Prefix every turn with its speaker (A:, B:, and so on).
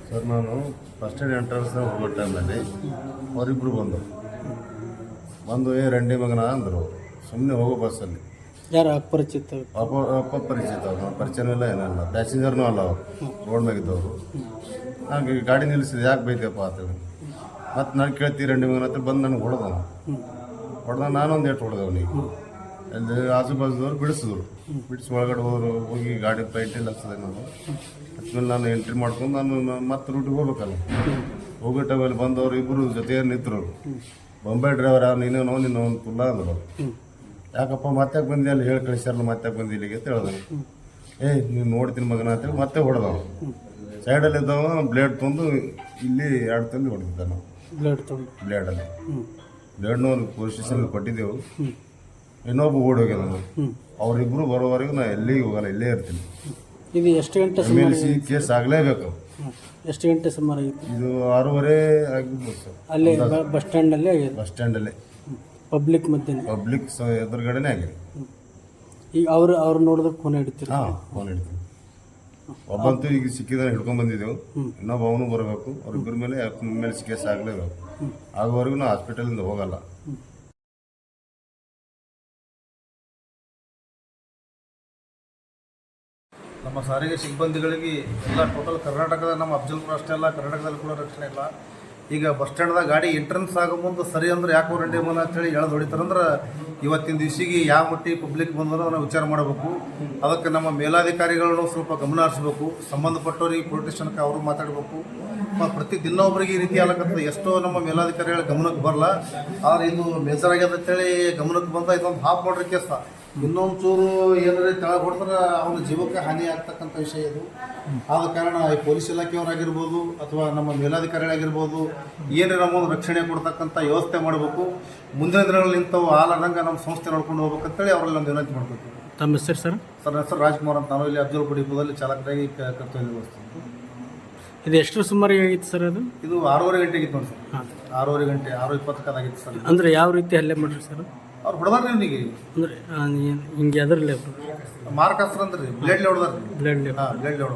A: Sir ನಾನು bus stand entrance ಹೋಗೋ ಟೈಮಲ್ಲಿ ಅವರಿಬ್ಬರು ಬಂದು ರಂಡಿ ಮಗನ ಅಂದರು. ಸುಮ್ಮನೆ ಹೋಗೋ ಬಸ್ಸಲ್ಲಿ
B: ಯಾರು ಅಪರಿಚಿತ
A: ಅಪರಿಚಿತ ಅವ್ರು ಪರಿಚಯನೂ ಇಲ್ಲ ಏನಿಲ್ಲ, ಪ್ಯಾಸೆಂಜರ್ನೂ ಅಲ್ಲ ಅವರು, ರೋಡ್ ಮ್ಯಾಗಿದ್ದವರು. ಹಾಗೆ ಗಾಡಿ ನಿಲ್ಲಿಸಿದೆ, ಯಾಕೆ ಬೈತಪ್ಪ ಅಂತೇಳಿ. ಮತ್ತು ನಾನು ಕೇಳ್ತೀವಿ ರಂಡಿ ಮಗನ ಹತ್ರ ಬಂದು ನನಗೆ ಹೊಡೆದ ನಾನೊಂದು ಏಟು ಹೊಡೆದೆ ಅವನಿಗೆ. ಅಲ್ಲಿ ಆಜು ಬಾಜುದವ್ರು ಬಿಡಿಸಿ ಒಳಗಡೆ ಹೋಗಿ ಗಾಡಿ ಪೈಂಟಿಲ್ಲ ಹಚ್ಚಿದೆ ನಾನು. ಹಚ್ಮೇಲೆ ನಾನು ಎಂಟ್ರಿ ಮಾಡ್ಕೊಂಡು ನಾನು ಮತ್ತೆ ರೂಟಿಗೆ ಹೋಗ್ಬೇಕಲ್ಲ. ಹೋಗೋ ಟೈಮಲ್ಲಿ ಬಂದವರು ಇಬ್ಬರು ಜೊತೆಗೆ ನಿಂತರು. ಬೊಂಬೈ ಡ್ರೈವರ್ ನೀನು ಒಂದು ತುಲ್ಲ ಅಂದರು. ಯಾಕಪ್ಪ ಮತ್ತೆ ಬಂದಿ ಅಲ್ಲಿ ಹೇಳಿ ಕಳಿಸ್ಯಾರಲ್ಲ, ಮತ್ತೆ ಬಂದು ಇಲ್ಲಿಗೆ ಅಂತ ಹೇಳ್ದೆ. ನೀನು ನೋಡ್ತೀನಿ ಮಗನ ಅಂತೇಳಿ ಮತ್ತೆ ಹೊಡೆದವ. ಸೈಡಲ್ಲಿ ಇದ್ದವ ಬ್ಲೇಡ್ ತಂದು ಇಲ್ಲಿ 2 ತಂದು ಹೊಡೆದಿದ್ದ ನಾವು. ಬ್ಲೇಡಲ್ಲಿ ಬ್ಲೇಡ್ನ ಒಂದು ಪೊಲೀಸ್ ಸ್ಟೇಷನ್ಗೆ ಕೊಟ್ಟಿದ್ದೆವು. ಇನ್ನೊಬ್ಬ ಓಡಿ ಹೋಗ್ಯದ ನಾನು. ಅವರಿಬ್ಬರು ಬರೋವರೆಗೂ ನಾನು ಎಲ್ಲಿಗೆ ಹೋಗಲ್ಲ, ಇಲ್ಲೇ ಇರ್ತೀನಿ.
B: ಇದು ಎಷ್ಟು ಗಂಟೆ
A: MLC ಕೇಸ್ ಆಗಲೇಬೇಕು.
B: ಎಷ್ಟು ಗಂಟೆ ಸುಮಾರು ಆಗಿತ್ತು?
A: ಇದು 6:30 ಆಗಿರ್ಬೋದು ಸರ್.
B: ಅಲ್ಲೇ ಬಸ್ ಸ್ಟ್ಯಾಂಡಲ್ಲೇ ಆಗಿದೆ?
A: ಬಸ್ ಸ್ಟ್ಯಾಂಡಲ್ಲೇ
B: ಪಬ್ಲಿಕ್ ಮಧ್ಯೆ
A: ಎದುರುಗಡೆನೇ ಆಗಿದೆ.
B: ಈಗ ಅವ್ರು ನೋಡಿದ್ರೆ ಫೋನ್ ಹಿಡಿತೀರಿ?
A: ಹಾಂ, ಫೋನ್ ಹಿಡಿತೀವಿ. ಒಬ್ಬಂತೂ ಈಗ ಸಿಕ್ಕಿದಾನೆ ಹಿಡ್ಕೊಂಡು ಬಂದಿದ್ದೆವು. ಇನ್ನೊಬ್ಬ ಅವನು ಬರಬೇಕು. ಅವ್ರಿಬ್ಬರ ಮೇಲೆ MLC ಕೇಸ್ ಆಗಲೇಬೇಕು. ಆಗೋವರೆಗೂ ನಾವು ಹಾಸ್ಪಿಟಲಿಂದ ಹೋಗಲ್ಲ. ನಮ್ಮ ಸಾರಿಗೆ ಸಿಬ್ಬಂದಿಗಳಿಗೆ ಎಲ್ಲ ಟೋಟಲ್ ಕರ್ನಾಟಕದ ನಮ್ಮ ಅಫ್ಜಲ್ಪುರ ಅಷ್ಟೇ ಅಲ್ಲ, ಕರ್ನಾಟಕದಲ್ಲಿ ಕೂಡ ರಕ್ಷಣೆ ಇಲ್ಲ. ಈಗ ಬಸ್ ಸ್ಟ್ಯಾಂಡ್ದಾಗ ಗಾಡಿ ಎಂಟ್ರೆನ್ಸ್ ಆಗೋ ಮುಂದೆ ಸರಿ ಅಂದ್ರೆ ಯಾಕೋ ರಂಡಿ ಮನ ಅಂತೇಳಿ ಎಳೆದು ಹೊಡಿತಾರಂದ್ರೆ ಇವತ್ತಿನ ದಿವಸಿಗೆ ಯಾವ ಮಟ್ಟಿಗೆ ಪಬ್ಲಿಕ್ ಬಂದರೂ ನಾವು ವಿಚಾರ ಮಾಡಬೇಕು. ಅದಕ್ಕೆ ನಮ್ಮ ಮೇಲಾಧಿಕಾರಿಗಳನ್ನು ಸ್ವಲ್ಪ ಗಮನ ಹರಿಸಬೇಕು. ಸಂಬಂಧಪಟ್ಟವ್ರಿಗೆ ಪೊಲೀಸ್ ಸ್ಟೇಷನ್ಗೆ ಅವರು ಮಾತಾಡಬೇಕು. ಪ್ರತಿ ದಿನ ಒಬ್ಬರಿಗೆ ಈ ರೀತಿ ಆಗಕತ್ತದೆ. ಎಷ್ಟೋ ನಮ್ಮ ಮೇಲಾಧಿಕಾರಿಗಳ ಗಮನಕ್ಕೆ ಬರಲ್ಲ. ಆದರೆ ಇದು ಮೇಜರ್ ಆಗ್ಯದ ಅಂತೇಳಿ ಗಮನಕ್ಕೆ ಬಂದ ಇದೊಂದು ಹಾಫ್ ಮಾಡ್ರಿ ಕೇಸ. ಇನ್ನೊಂದು ಚೂರು ಏನಾರ ತೆಳಗೆ ಹೊಡ್ತಾರೆ ಅವನ ಜೀವಕ್ಕೆ ಹಾನಿ ಆಗ್ತಕ್ಕಂಥ ವಿಷಯ ಇದು. ಆದ ಕಾರಣ ಈ ಪೊಲೀಸ್ ಇಲಾಖೆಯವರಾಗಿರ್ಬೋದು ಅಥವಾ ನಮ್ಮ ಮೇಲಾಧಿಕಾರಿಗಳಾಗಿರ್ಬೋದು ಏನಾರ ನಮ್ಮೊಂದು ರಕ್ಷಣೆ ಕೊಡ್ತಕ್ಕಂಥ ವ್ಯವಸ್ಥೆ ಮಾಡಬೇಕು. ಮುಂದಿನ ದಿನಗಳಲ್ಲಿ ಇಂಥವು ಆಲಾದಂಗೆ ನಮ್ಮ ಸಂಸ್ಥೆ ನೋಡ್ಕೊಂಡು ಹೋಗ್ಬೇಕಂತೇಳಿ ಅವರಲ್ಲಿ ಒಂದು ವಿನಂತಿ ಮಾಡಬೇಕು.
B: ತಮ್ಮ ಹೆಸರು ಸರ್?
A: ನನ್ನ ಹೆಸರು ರಾಜ್ಕುಮಾರ್ ಅಂತ. ನಾನು ಇಲ್ಲಿ ಅಫ್ಜಲ್ಪುರ ಡಿಪೋದಲ್ಲಿ ಚಾಲಕರಾಗಿ ಕರ್ತವ್ಯ ನಿರ್ವಹಿಸ್ತೀನಿ.
B: ಇದು ಎಷ್ಟು ಸುಮಾರಿಗೆ ಆಗಿತ್ತು ಸರ್? ಇದು
A: 6:30 ಗಂಟೆ ಆಗಿತ್ತು ನೋಡಿ ಸರ್. 6:30 ಗಂಟೆ 6:20 ಆಗಿತ್ತು ಸರ್.
B: ಅಂದರೆ ಯಾವ ರೀತಿ ಹಲ್ಲೆ ಮಾಡ್ರಿ ಸರ್?
A: ಅವ್ರು ಹೊಡೆದಾರ್ರಿ ಅವನಿಗೆ.
B: ಅಂದರೆ ಹಿಂಗೆ ಅದರಲ್ಲೇ
A: ಮಾರ್ಕ್ ಹಸ್ರ ಅಂದ್ರಿ, ಬ್ಲೇಡ್ಲಿ ಹೊಡೆದಾರ್ರಿ. ಬ್ಲೇಡ್ಲಿ ಹೊಡೆದಾರ.